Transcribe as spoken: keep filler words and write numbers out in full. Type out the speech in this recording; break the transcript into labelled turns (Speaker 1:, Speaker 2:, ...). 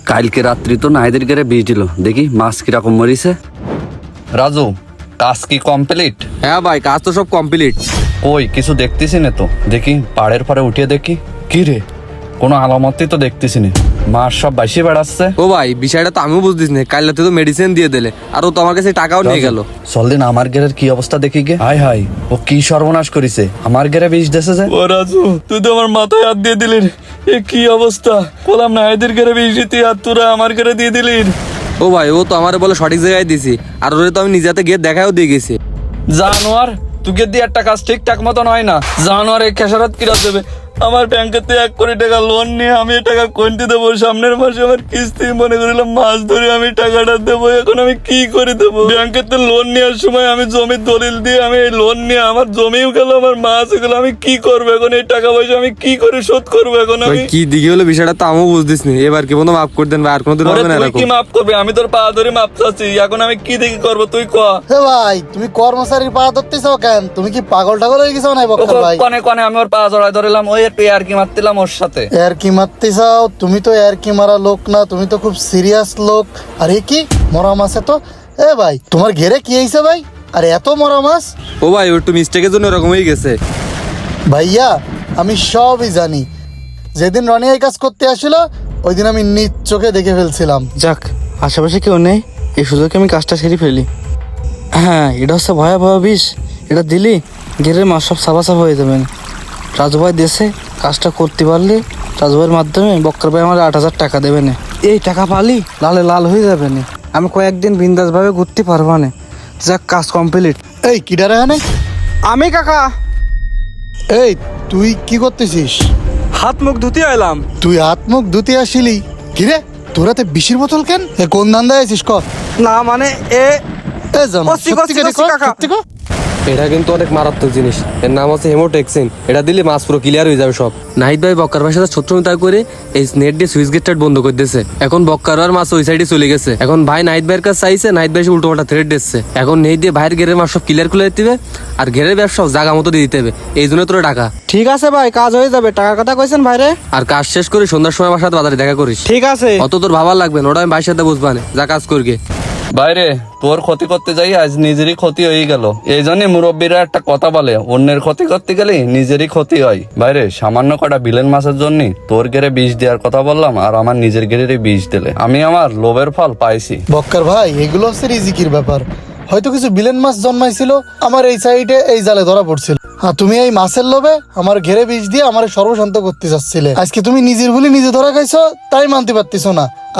Speaker 1: কালকে রাত্রি তো নাইদের গেরে বিষ দিল, দেখি মাছ কিরকম মরিছে। রাজু, কাজ কি কমপ্লিট?
Speaker 2: হ্যাঁ ভাই, কাজ তো সব কমপ্লিট।
Speaker 1: ওই কিছু দেখতেছি না তো, দেখি পাড়ের পরে উঠিয়ে দেখি। কি রে, কোনো আলামতই তো দেখতেছি না। মাছ সব বাইসে বেড়াচ্ছে।
Speaker 2: ও ভাই, বিষয়টা তো আমিও বুঝতেছি না। কাল রাতে তো মেডিসিন দিয়ে দিলে, আর ও তো আমার কাছে টাকাও নিয়ে গেল।
Speaker 1: চল দিন আমার গেরের কি অবস্থা দেখি গে। হাই হাই, ও কি সর্বনাশ করেছে, আমার গেরে বিষ দেছে যে। ও রাজু, তুই তো আমার মাথায় হাত দিয়ে দিলি। এ কি অবস্থা, বললাম না এদের গেরে বিষ দিতে, আর তোরা আমার গেরে দিয়ে দিলি।
Speaker 2: ও ভাই, ও তো আমার বলে সঠিক জায়গায় দিছি, আর ওরে তো আমি নিজে হাতে গিয়ে দেখাও দিয়ে গেছি।
Speaker 1: জানোয়ার, তোকে দিয়ে একটা কাজ ঠিকঠাক মতন হয় না। জানোয়ার এই খেসারত কিরা দেবে। আমার ব্যাংকেতে এক কোটি টাকা লোন নিয়ে আমি টাকা কোনটি দেবো? সামনের মাসে আমার কিস্তি মনে করিলাম মাস ধরে আমি টাকাটা দেবো, এখন আমি কি করে দেবো? ব্যাংকেতে লোন নেওয়ার সময় আমি জমির দলিল দিয়ে আমি এই লোন নিয়ে আমার জমিও গেল, আমার মাছ গেল, আমি কি করবো এখন? এই টাকা পয়সা আমি কি করে শোধ করবো এখন
Speaker 2: ভাই
Speaker 1: আমি?
Speaker 2: কি দিকে হলো বিষয়টা তো আমিও বুঝতেছি না। এবার কি বন্ধু মাফ করে দেন ভাই, আর কোনোদিন
Speaker 1: ওরে
Speaker 2: হবে না
Speaker 1: তুই
Speaker 2: এরকম।
Speaker 1: কি মাফ করবে? আমি তোর পা ধরে মাপ চাচ্ছি, এখন আমি কি দেখি করবো তুই ক।
Speaker 3: হে ভাই, তুমি কর্মচারীর পা ধরতেছ কেন? তুমি কি পাগল টাগল হয়ে গেছো না বক্কর ভাই?
Speaker 1: কনে কনে আমি ওর পা জড়াই ধরলাম, ওই একটু আর কি মারতিলাম ওর সাথে।
Speaker 3: এর কি মারতে চাও? তুমি তো এর কি মারা লোক না, তুমি তো খুব সিরিয়াস লোক। আরে কি মরা মাছে তো। এ ভাই, তোমার ঘেরে কি হয়েছে ভাই? আরে এত মরা মাছ?
Speaker 2: ও ভাই, ও একটু মিস্টেকের জন্য এরকম হয়ে গেছে।
Speaker 3: ভাইয়া, আমি সবই জানি। যেদিন রনি এই কাজ করতে আসছিল, ওই দিন আমি নিজ চোখে দেখে ফেলছিলাম।
Speaker 4: যাক, আশেপাশে কেউ নেই, এই সুযোগে আমি কাজটা সেরে ফেলি। হ্যাঁ, এটা হচ্ছে ভয়াবহ বিষ। এটা দিলি গেরের মাছ সব সাফা সাফা হয়ে যাবেন। রাজু ভাই দেশে কাজটা করতে পারলে রাজু ভাইয়ের মাধ্যমে বক্কর ভাই আমার আট হাজার টাকা দেবে না। এই টাকা পালি লালে লাল হয়ে যাবে না, আমি কয়েকদিন বিন্দাসভাবে ঘুরতে পারবো না। যাক, কাজ কমপ্লিট।
Speaker 3: এই কিডারে হানে?
Speaker 4: আমি কাকা
Speaker 3: এই তুই কি করতেছিস?
Speaker 4: হাত মুখ ধুতে এলাম।
Speaker 3: তুই হাত মুখ ধুতে আসিলি? কিরে, তোরাতে বিষের বোতল কেন? এ কোন ধান্দায় আছিস ক?
Speaker 4: না মানে এ
Speaker 3: এ জানো,
Speaker 4: কচ্ছি,
Speaker 3: সত্যি
Speaker 4: কচ্ছি,
Speaker 3: করে
Speaker 4: কচ্ছি,
Speaker 3: ক,
Speaker 4: কাকা।
Speaker 3: সত্যি ক।
Speaker 2: এটা কিন্তু অনেক মারাত্মক জিনিস। এর নাম হচ্ছে হেমোটেক্সিন। এটা দিলে মাছ পুরো ক্লিয়ার হয়ে যাবে সব। নাহিদ ভাই বক্কার ভাইয়ের সাথে শত্রুতা করে এই নেট দিয়ে সুইচ গেটটা বন্ধ করে দিয়েছে। এখন বক্কার আর মাছ ওই সাইডে চলে গেছে। এখন ভাই নাহিদ ভাইয়ের কাছে চাইছে, নাহিদ ভাই উল্টো পাল্টা থ্রেড দিচ্ছে। এখন নেই দিয়ে ভাইয়ের ঘেরের মাছ সব ক্লিয়ার করে দিতে হবে, আর ঘেরের ব্যবসা জায়গা মতো দিয়ে দিতে হবে। এই জন্য তোরা টাকা।
Speaker 4: ঠিক আছে ভাই, কাজ হয়ে যাবে। টাকার কথা কইছেন ভাইরে?
Speaker 2: আর কাজ শেষ করে সন্ধ্যার সময় আমার সাথে বাজারে দেখা করিস।
Speaker 4: ঠিক আছে।
Speaker 2: অত তোর ভাবার লাগবে না, ওটা আমি ভাইয়ের সাথে বুঝবা না। যা কাজ করগে।
Speaker 1: বাইরে তোর ক্ষতি করতে যাই আজ নিজেরই ক্ষতি হয়ে গেল। এই জন্য মুরব্বীরা একটা কথা বলে, অন্যের ক্ষতি করতে গেলে নিজেরই ক্ষতি হয়। বাইরে সামান্য কটা বিলেন মাছের জন্য তোর গেরে বিষ দেওয়ার কথা বললাম, আর আমার নিজের গেরে বিষ দিলে। আমি আমার লোভের ফল পাইছি।
Speaker 3: বক্কর ভাই, এগুলো হচ্ছে রিজিকির ব্যাপার। হয়তো কিছু বিলেন মাছ জন্মাইছিল আমার এই সাইডে, এই জালে ধরা পড়ছিল। হ্যাঁ, তুমি এই মাছের লোভে আমার ঘেরে বিষ দিয়ে আমার সর্বশান্ত করতে চাচ্ছিলে। আজকে তুমি নিজের বলে নিজে ধরা খাইছো, তাই মানতে পারতেছো না।